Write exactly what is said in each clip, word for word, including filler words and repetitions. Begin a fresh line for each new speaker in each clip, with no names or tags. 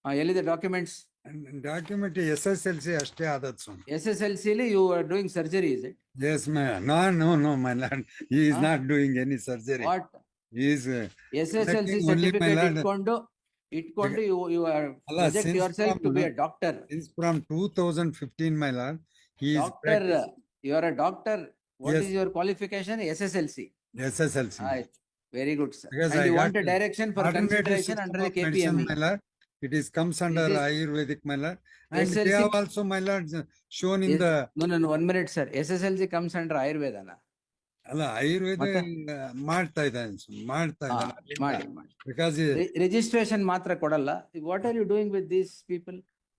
ಆ, ಎಲ್ಲಿದೆ documents?
Document S S L C ಅಷ್ಟೇ ಆದದ್ದು ಸ್ವಾಮಿ.
S S L C you are doing surgery, is it?
Yes my no no no my lord, he is
Huh?
Not doing any surgery.
What?
He is uh,
S S L C
conducting only, my
certificate
lord.
ಇಟ್ಕೊಂಡು ಇಟ್ಕೊಂಡು you you are
ಅಲ್ಲ,
project
since
yourself
from-
to be a doctor.
Since from two thousand fifteen, my lord, he is
doctor, you are a doctor. What
Yes.
Is your qualification? S S L C.
S S L C.
ಆಯ್ತು, very good sir.
Because
and
I
you
got
want a direction for
Alternative
consideration
system
under the
of
K P
medicine,
M
my lord. It is comes under
is-
Ayurvedic, my lord. And
S L C
they have also, my lord, shown in
Yes.
the,
no no one minute sir. S S L C comes under ಆಯುರ್ವೇದನ?
ಅಲ್ಲ ಆಯುರ್ವೇದ
ಮತ್ತೆ?
ಮಾಡ್ತಾ ಇದ್ದಾನೆ ಸ್ವಾಮಿ, ಮಾಡ್ತಾ
ಹಾ,
ಇದ್ದಾನೆ.
ಮಾಡಿ ಮಾಡಿ.
Because
ರಿಜಿಸ್ಟ್ರೇಷನ್ ಮಾತ್ರ ಕೊಡಲ್ಲ. What are you doing with these people?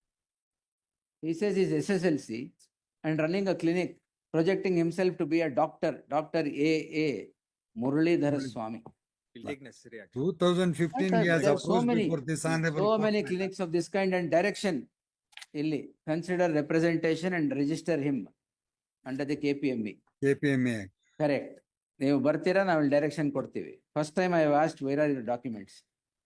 He says he's S S L C and running a clinic, projecting himself to be a doctor, Doctor A A Muralidhara Swami.
Will take necessary action.
two thousand fifteen,
What
he
are-
has
there are so
approached
many-
before this honorable
So
court,
many
my lord.
clinics of this kind and direction. Illi, consider representation and register him under the K P M E.
K P M A.
Correct. ನೀವು ಬರ್ತೀರಾ, ನಾವು direction ಕೊಡ್ತೀವಿ. First time I asked where are your documents.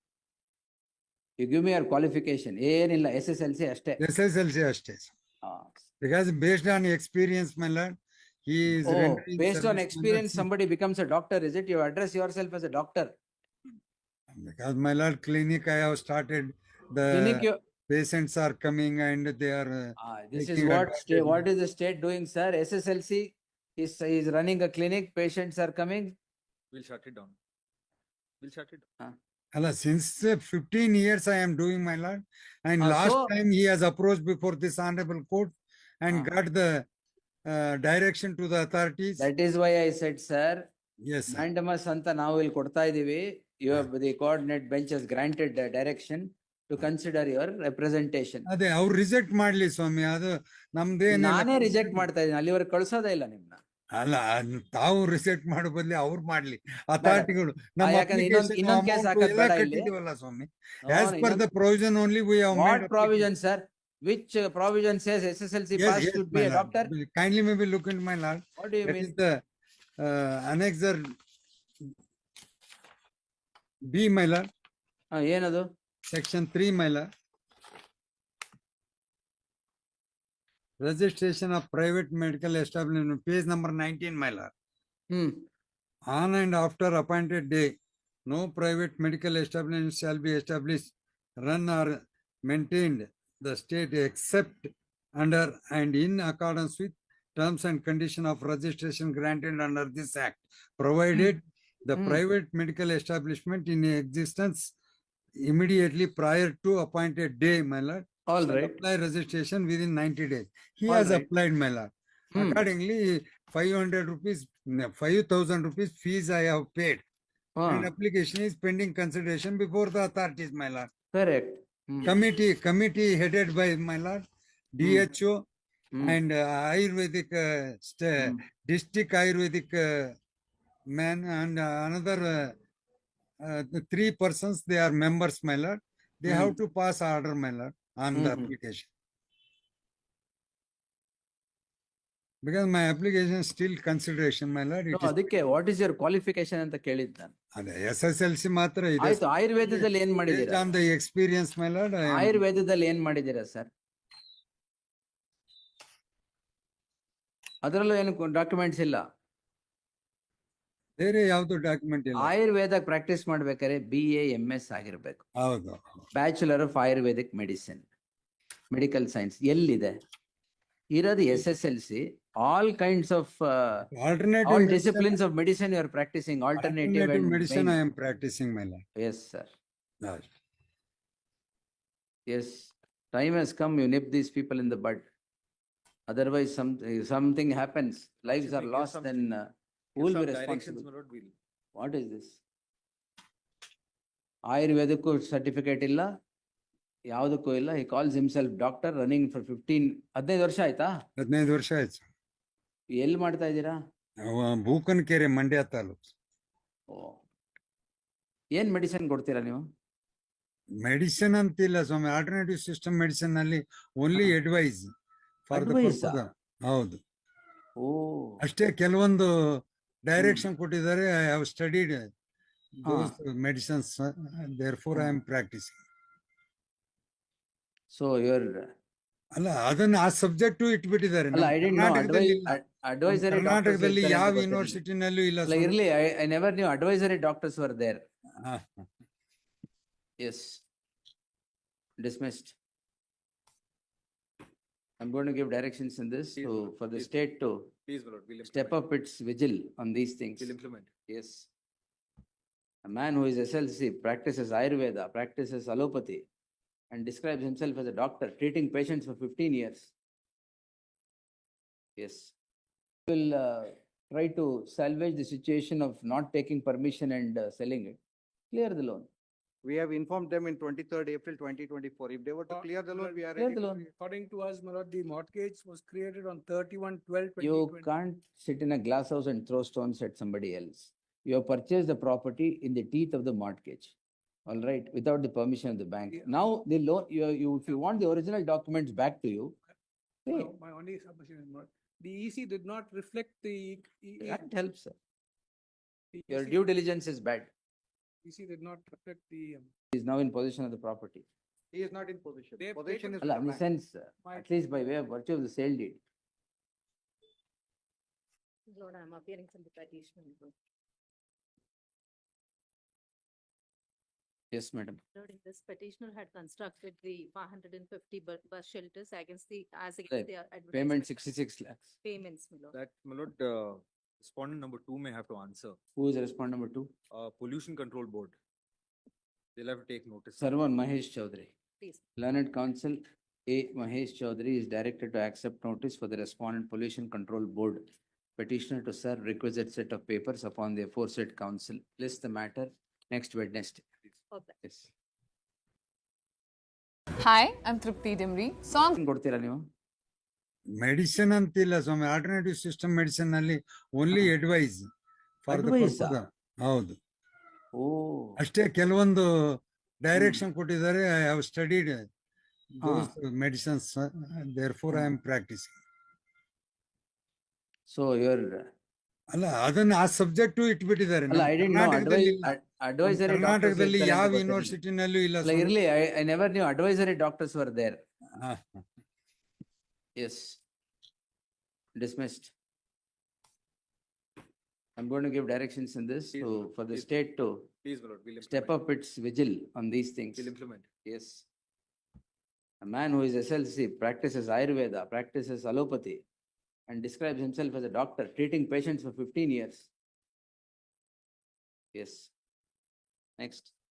You give me your qualification. ಏನಿಲ್ಲ, S S L C ಅಷ್ಟೇ.
S S L C ಅಷ್ಟೇ.
ಆ.
Because based on experience, my lord, he is
Oh,
rendering
based on
service
experience,
under-
somebody becomes a doctor, is it? You address yourself as a doctor.
Because my lord, clinic I have started,
Clinic,
the
you-
patients are coming and they are, uh,
Ah, this is
taking
what
advantage.
state, what is the state doing, sir? S S L C is, is running a clinic, patients are coming.
We'll shut it down. We'll shut it down.
Allah, since uh, fifteen years I am doing, my lord, and
Ah,
last
so-
time he has approached before this honorable court and
Ah.
got the uh, direction to the authorities.
That is why I said, sir,
Yes, sir.
mandamus ಅಂತ ನಾವು ಇಲ್ಲಿ ಕೊಡ್ತಾ ಇದೀವಿ. You have the coordinate bench has granted the direction to consider your representation.
ಅದೇ ಅವ್ರು reject ಮಾಡ್ಲಿ ಸ್ವಾಮಿ, ಅದು ನಮ್ದೇನ
ನಾನೇ ರಿಜೆಕ್ಟ್ ಮಾಡ್ತಾ ಇದ್ದೀನಿ, ಅಲ್ಲಿವರೆಗೆ ಕಳ್ಸೋದೇ ಇಲ್ಲ ನಿಮ್ನ.
ಅಲ್ಲ, ಅದ್ ತಾವು ರಿಜೆಕ್ಟ್ ಮಾಡೋ ಬದ್ಲಿ ಅವ್ರು ಮಾಡ್ಲಿ ಅಥಾರಿಟಿಗಳು. ನಮ್ಮ
ಯಾಕಂದ್ರೆ ಇನ್ನೊಂದ್-
application
ಇನ್ನೊಂದ್ case
amount
ಹಾಕೋದ್
ಎಲ್ಲ
ಬೇಡ ಇಲ್ಲಿ.
ಕಟ್ಟಿದೀವಲ್ಲ ಸ್ವಾಮಿ.
No,
As
no,
per
ಇನ್ನೊಂದ್-
the provision only we have
What
made.
provision, sir? Which uh, provision says S S L C
Yes,
pass
yes,
should
my
be a
lord.
doctor?
Kindly maybe look into my lord.
What do you
That
mean?
is the uh, annexer B, my lord,
ಆ, ಏನದು?
section three, my lord. Registration of private medical establishment, page number nineteen, my lord.
Hmm.
On and after appointed day, no private medical establishment shall be established, run or maintained the state except under and in accordance with terms and condition of registration granted under this act, provided the
Hmm.
private medical establishment in existence immediately prior to appointed day, my lord,
All
shall
right.
apply registration within ninety days. He
All
has
right.
applied, my lord.
Hmm.
Accordingly, five hundred rupees, five thousand rupees fees I have paid.
ಹಾ,
And application is pending consideration before the authorities, my lord.
correct. Hmm.
Committee, committee headed by my lord, D H O
hmm.
and uh, Ayurvedic, uh, sta-
hmm.
district Ayurvedic uh, man and uh, another uh, uh, the three persons, they are members, my lord. They have
Hmm.
to pass order, my lord, on the
Mhm.
application. Because my application is still consideration, my lord.
No,
It is
ಅದಕ್ಕೆ what is your qualification ಅಂತ ಕೇಳಿದ್ ನಾನು.
ಅದೇ S S L C ಮಾತ್ರ ಇದೆ.
ಆಯ್ತು, ಆಯುರ್ವೇದದಲ್ಲಿ ಏನ್
Based
ಮಾಡಿದೀರಾ?
on the experience, my lord, I am-
ಆಯುರ್ವೇದದಲ್ಲಿ ಏನ್ ಮಾಡಿದೀರಾ ಸರ್? ಅದರಲ್ಲೂ ಏನು ಡಾಕ್ಯುಮೆಂಟ್ಸ್ ಇಲ್ಲ.
ಬೇರೆ ಯಾವ್ದು ಡಾಕ್ಯುಮೆಂಟ್ ಇಲ್ಲ.
ಆಯುರ್ವೇದ ಪ್ರಾಕ್ಟೀಸ್ ಮಾಡ್ಬೇಕಾದ್ರೆ ಬಿ ಎ ಎಂ ಎಸ್ ಆಗಿರ್ಬೇಕು.
ಹೌದು.
Bachelor of Ayurvedic medicine, medical science ಎಲ್ಲಿದೆ? ಇರೋದು S S L C. All kinds of
Alternative
all
medicine-
disciplines of medicine you are practising alternative
alternative medicine I am practicing, my lord.
Yes sir,
Yes.
yes. Time has come, you nip these people in the bud. Otherwise, some, something happens, lives
Should
are
we give
lost,
some-
then uh, who
Give
will be
some directions,
responsible?
my lord, we'll-
What is this? ಆಯುರ್ವೇದಕ್ಕೂ certificate ಇಲ್ಲ, ಯಾವುದಕ್ಕೂ ಇಲ್ಲ. he calls himself doctor, running for fifteen, ಹದಿನೈದು ವರ್ಷ ಆಯ್ತಾ?
ಹದಿನೈದು ವರ್ಷ ಆಯ್ತು.
ಎಲ್ಲಿ ಮಾಡ್ತಾ ಇದ್ದೀರಾ?
ಅವ ಬೂಕನಕೆರೆ, ಮಂಡ್ಯ ತಾಲೂಕು.
ಓ, ಏನ್ ಮೆಡಿಸಿನ್ ಕೊಡ್ತೀರಾ ನೀವು?
ಮೆಡಿಸಿನ್ ಅಂತಿಲ್ಲ ಸ್ವಾಮಿ, ಆಲ್ಟರ್ನೇಟಿವ್ ಸಿಸ್ಟಮ್ ಮೆಡಿಸಿನ್ ನಲ್ಲಿ only advice for the
Advice ಆ?
ಹೌದು
ಓ,
ಅಷ್ಟೇ. ಕೆಲವೊಂದು ಡೈರೆಕ್ಷನ್ ಕೊಟ್ಟಿದ್ದಾರೆ. ಐ ಹ್ಯಾವ್ ಸ್ಟಡಿಡ್
ಹಾ.
Medicines, therefore I am practising.
So your,
ಅಲ್ಲ ಅದನ್ನ ಆ ಸಬ್ಜೆಕ್ಟ್ ಇಟ್ಬಿಟ್ಟಿದ್ದಾರೆ
ಅಲ್ಲ,
ನಮ್ಮ
I didn't know
ಕರ್ನಾಟಕದಲ್ಲಿ
advi-
ಇಲ್ಲ.
ad- advisory doctors
ಕರ್ನಾಟಕದಲ್ಲಿ
ಇರ್ತಾರೆ
ಯಾವ
ಅಂತ ಗೊತ್ತಿರ್ಲಿಲ್ಲ.
ಯೂನಿವರ್ಸಿಟಿನಲ್ಲೂ ಇಲ್ಲ
ಅಲ್ಲ,
ಸ್ವಾಮಿ.
ಇರ್ಲಿ, I, I never knew advisory doctors were there.
ಹಾ.
Yes. Dismissed. I'm going to give directions in this
Please,
to,
Lord,
for the
please.
state to
Please, my lord, we'll
step
implement.
up its vigil on these things.
We'll implement.
Yes. A man who is S L C, practices Ayurveda, practices allopathy, and describes himself as a doctor, treating patients for fifteen years. Yes. Will uh, try to salvage the situation of not taking permission and uh, selling it. Clear the loan.
We have informed them in twenty-third April twenty twenty-four. If they were to
Uh,
clear the loan, we are
Clear
ready.
the
to
loan.
clear.
According to us, my lord, the mortgage was created on thirty-one twelve twenty
You
twenty.
can't sit in a glass house and throw stones at somebody else. You have purchased the property in the teeth of the mortgage. All right, without the permission of the bank.
Yeah.
Now the loan, you, you, if you want the original documents back to you, pay.
No, my only submission is, my lord, the E C did not reflect the. E- E-
That helps, sir.
the
Your
EC
due diligence is bad.
E C did not reflect the. um,
He is now in possession of the property.
He is not in position.
They have
Position
taken-
is.
Allah,
with
in
the
the
bank.
sense, uh,
My-
at least by way of virtue of the sale deed.
Lord, I am appearing from the petition.
Yes, madam.
Lord, in this petitioner had constructed the five hundred and fifty bu- bus shelters against the, as
Right.
against their
Payment
advertisement.
sixty-six lakhs.
Payments, my lord.
That, my lord, uh, respondent number two may have to answer.
Who is respondent number two?
Uh, pollution control board. They'll have to take notice.
Sarwan Mahesh Chaudhary.
Please.
Learned Counsel A. Mahesh Chaudhary is directed to accept notice for the respondent Pollution Control Board petitioner to serve requisite set of papers upon the aforesaid council. List the matter next Wednesday.
Okay.
Yes.
Hi, I'm Tripti Dimri. Song
ಏನ್ ಕೊಡ್ತೀರಾ ನೀವು?
Medicine ಅಂತಿಲ್ಲ ಸ್ವಾಮಿ, alternative system medicine ನಲ್ಲಿ only
ಹಾ.
Advice for the
Advice ಆ?
ಹೌದು
ಓ.
ಅಷ್ಟೇ. ಕೆಲವೊಂದು ಡೈರೆಕ್ಷನ್ ಕೊಟ್ಟಿದ್ದಾರೆ. I have studied those medicines, therefore I am practising.
So your,
ಅಲ್ಲ ಅದನ್ನ ಆ ಸಬ್ಜೆಕ್ಟ್ ಇಟ್ಬಿಟ್ಟಿದ್ದಾರೆ
ಅಲ್ಲ,
ನಮ್ಮ
I didn't know
ಕರ್ನಾಟಕದಲ್ಲಿ
advi-
ಇಲ್ಲ.
ad- advisory doctors
ಕರ್ನಾಟಕದಲ್ಲಿ
ಇರ್ತಾರೆ ಅಂತ
ಯಾವ
ಗೊತ್ತಿರ್ಲಿಲ್ಲ.
ಯೂನಿವರ್ಸಿಟಿನಲ್ಲೂ ಇಲ್ಲ
ಅಲ್ಲ,
ಸ್ವಾಮಿ.
ಇರ್ಲಿ, I, I never knew advisory doctors were there.
ಹಾ.
Yes. Dismissed. I'm going to give directions in this
Please,
to,
Lord,
for the
please.
state to
Please, my lord, we'll implement.
step up its vigil on these things.
We'll implement.
Yes. A man who is S L C, practices Ayurveda, practices allopathy, and describes himself as a doctor, treating patients for fifteen years. Yes. Next.